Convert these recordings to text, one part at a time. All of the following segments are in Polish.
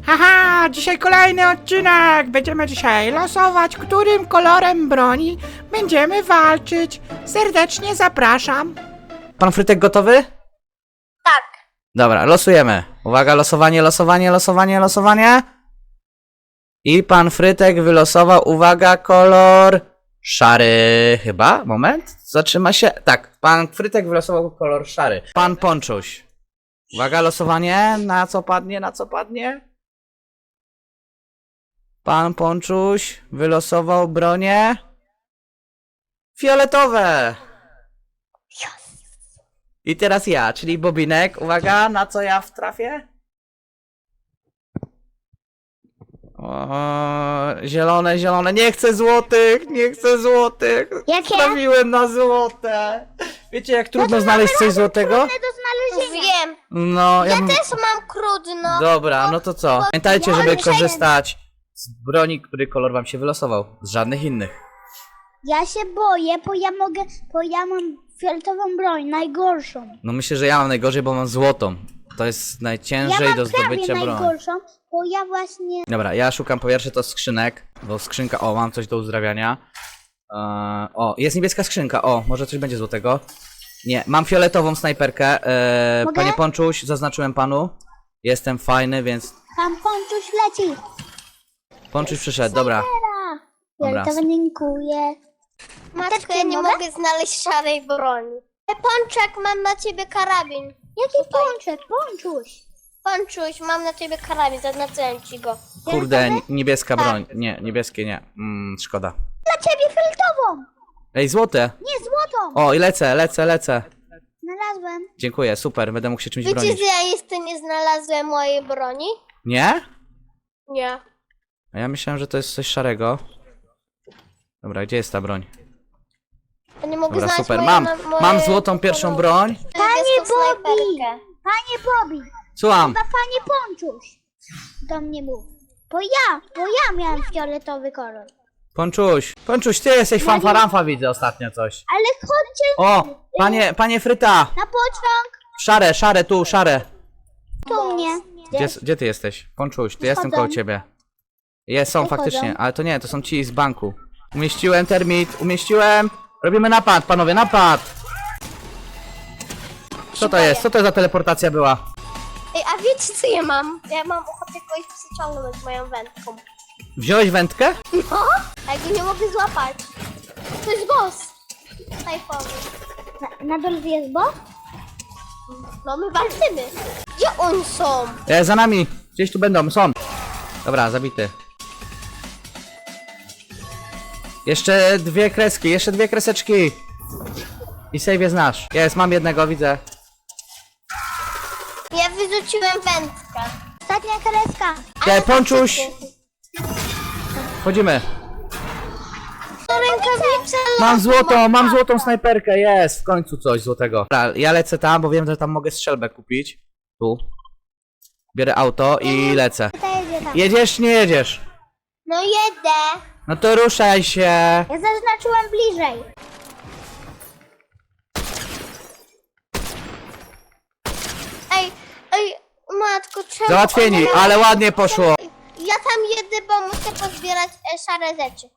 Haha, dzisiaj kolejny odcinek! Będziemy dzisiaj losować, którym kolorem broni będziemy walczyć. Serdecznie zapraszam. Pan Frytek gotowy? Tak. Dobra, losujemy. Uwaga, losowanie. I pan Frytek wylosował, uwaga, kolor szary chyba? Moment, zatrzyma się. Tak, pan Frytek wylosował kolor szary. Pan Ponczuś. Uwaga, losowanie. Na co padnie? Pan Ponczuś wylosował bronie fioletowe. I teraz ja, czyli Bobinek. Uwaga, na co ja wtrafię? O, zielone. Nie chcę złotych. Jakie? Trafiłem na złote. Wiecie, jak trudno znaleźć coś złotego? Do znalezienia. Wiem. No, Ja też mam trudno. Dobra, no to co? Pamiętajcie, ja żeby mam korzystać z broni, który kolor wam się wylosował. Z żadnych innych. Ja się boję, bo ja mam fioletową broń, najgorszą. No myślę, że ja mam najgorzej, bo mam złotą. To jest najciężej Ja mam do zdobycia prawie broń. najgorszą, bo ja właśnie... Dobra, ja szukam po pierwsze to skrzynek, bo skrzynka, o, mam coś do uzdrawiania. O, jest niebieska skrzynka, o, może coś będzie złotego. Nie, mam fioletową snajperkę. Mogę? Panie Ponczuś, zaznaczyłem panu. Jestem fajny, więc Pan Ponczuś leci. Ponczuś przyszedł, dobra. Dobra. Fioletowa, dziękuję. Matko, ja nie mogę znaleźć szarej broni. Pączek, mam na ciebie karabin. Jaki pączek? Ponczuś. Ponczuś, mam na ciebie karabin, zaznaczyłem ci go. Kurde, niebieska Tak. broń. Nie, niebieskie nie. Szkoda. Dla ciebie fioletową. Ej, złote! Nie, złotą. O, i lecę. Znalazłem. Dziękuję, super, będę mógł się czymś Wiecie, bronić. że ja jeszcze nie znalazłem mojej broni? Nie? Nie. A ja myślałem, że to jest coś szarego. Dobra, gdzie jest ta broń? Ja nie mogę Dobra, znaleźć super, mojej, mam złotą pierwszą broń. Panie Bobby! Panie Bobby! Słucham. Chyba panie Ponczuś do mnie mów. Bo ja miałem fioletowy kolor. Ponczuś, ty jesteś fanfaramfa, widzę ostatnio coś. Ale chodźcie O, panie Fryta! na pociąg. Szare, tu, szare. Tu mnie. Gdzie ty jesteś? Ponczuś, ty jestem koło ciebie. Są Wychodzą. faktycznie, ale to nie, to są ci z banku. Umieściłem termit. Robimy napad, panowie, napad! Co to jest? Co to za teleportacja była? Ej, a wiecie co ja mam? Ja mam ochotę kogoś przyciągnąć moją wędką. Wziąłeś wędkę? No? A ja go nie mogę złapać. To jest boss. Tajfowy. Na dole jest boss? No my walczymy. Gdzie oni są? Za nami! Gdzieś tu będą, są. Dobra, zabity. Jeszcze dwie kreski, jeszcze dwie kreseczki. I save jest nasz. Mam jednego, widzę. Ja wyrzuciłem wędkę. Ostatnia kreska. Ponczuś! Wchodzimy. Rękawice. Mam złotą snajperkę, jest! W końcu coś złotego. Dobra, ja lecę tam, bo wiem, że tam mogę strzelbę kupić. Tu. Biorę auto i lecę. Jedziesz, nie jedziesz? No jedę. No to ruszaj się. Ja zaznaczyłem bliżej. Ej, matko, czemu... Załatwieni, ale ładnie poszło. Ja tam jedę, bo muszę pozbierać szare rzeczy.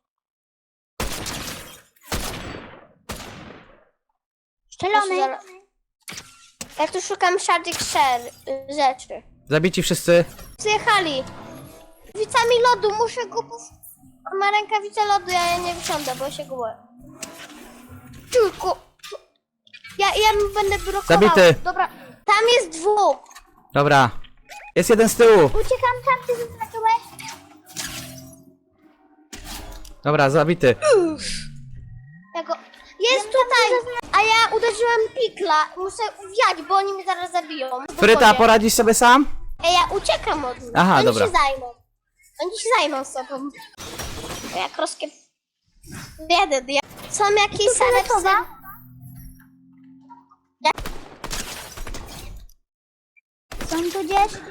Strzelony. Ja tu szukam szarych rzeczy. Zabici wszyscy. Przyjechali. Rękawicami lodu, muszę go On ma rękawice lodu, ja nie wysiądę, bo się go boję. Tylko... Ja będę blokował. Zabity. Dobra, tam jest dwóch. Dobra. Jest jeden z tyłu. Uciekam tam, ty zaznaczyłeś. Dobra, zabity. Ja go... Jest tutaj, a ja uderzyłem pikla. Muszę uwiać, bo oni mnie zaraz zabiją. Fryta, poradzisz sobie sam? Ej, ja uciekam od nich. Aha, Oni dobra. się zajmą. Oni się zajmą sobą. Jak rozkie... Jeden, ja... Są jakieś same psy? Są tu gdzieś?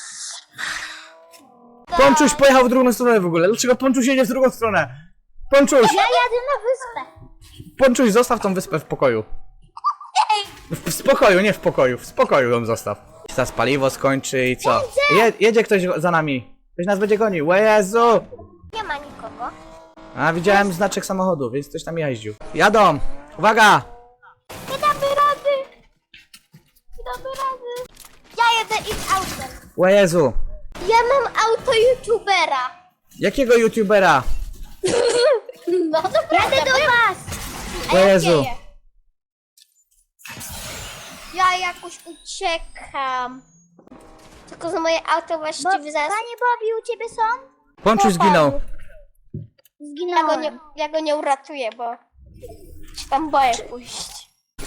Ponczuś pojechał w drugą stronę w ogóle. Dlaczego Ponczuś jedzie w drugą stronę? Ponczuś! Ja jadę na wyspę. Ponczuś, zostaw tą wyspę w pokoju. W spokoju, nie w pokoju. W spokoju ją zostaw. się teraz paliwo skończy i co? Jedzie ktoś za nami. Ktoś nas będzie gonił. O Jezu! Nie ma nikogo. A widziałem znaczek samochodu, więc ktoś tam jeździł. Jadą! Uwaga! Nie damy rady. Nie damy rady. Ja jedę ich autem. O Jezu! Ja mam auto youtubera. Jakiego youtubera? No to jadę do was. O Jezu! Ja jakoś uciekam. Tylko że moje auto właściwie zaraz... Panie Bobby, u ciebie są? Ponczuś zginął. Zginąłem. Ja go nie uratuję, bo się tam boję pójść.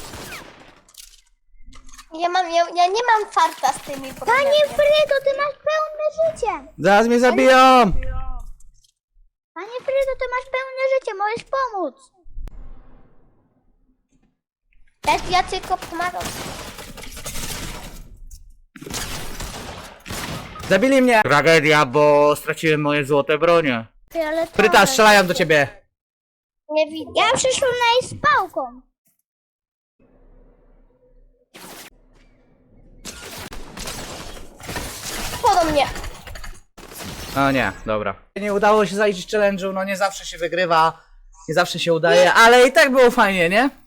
Ja nie mam farta z tymi broniami. Panie Frydo, ty masz pełne życie. Zaraz mnie zabiją! Panie Frydo, ty masz pełne życie, możesz pomóc. Ja tylko pomagam. Zabili mnie! Tragedia, bo straciłem moje złote bronie. Ale Fryta, strzelają do ciebie! Nie widzę. Ja przyszłam na jej z pałką. Podo mnie. O nie, dobra. Nie udało się zaliczyć challenge'u, no nie zawsze się wygrywa, nie zawsze się udaje, ale i tak było fajnie, nie?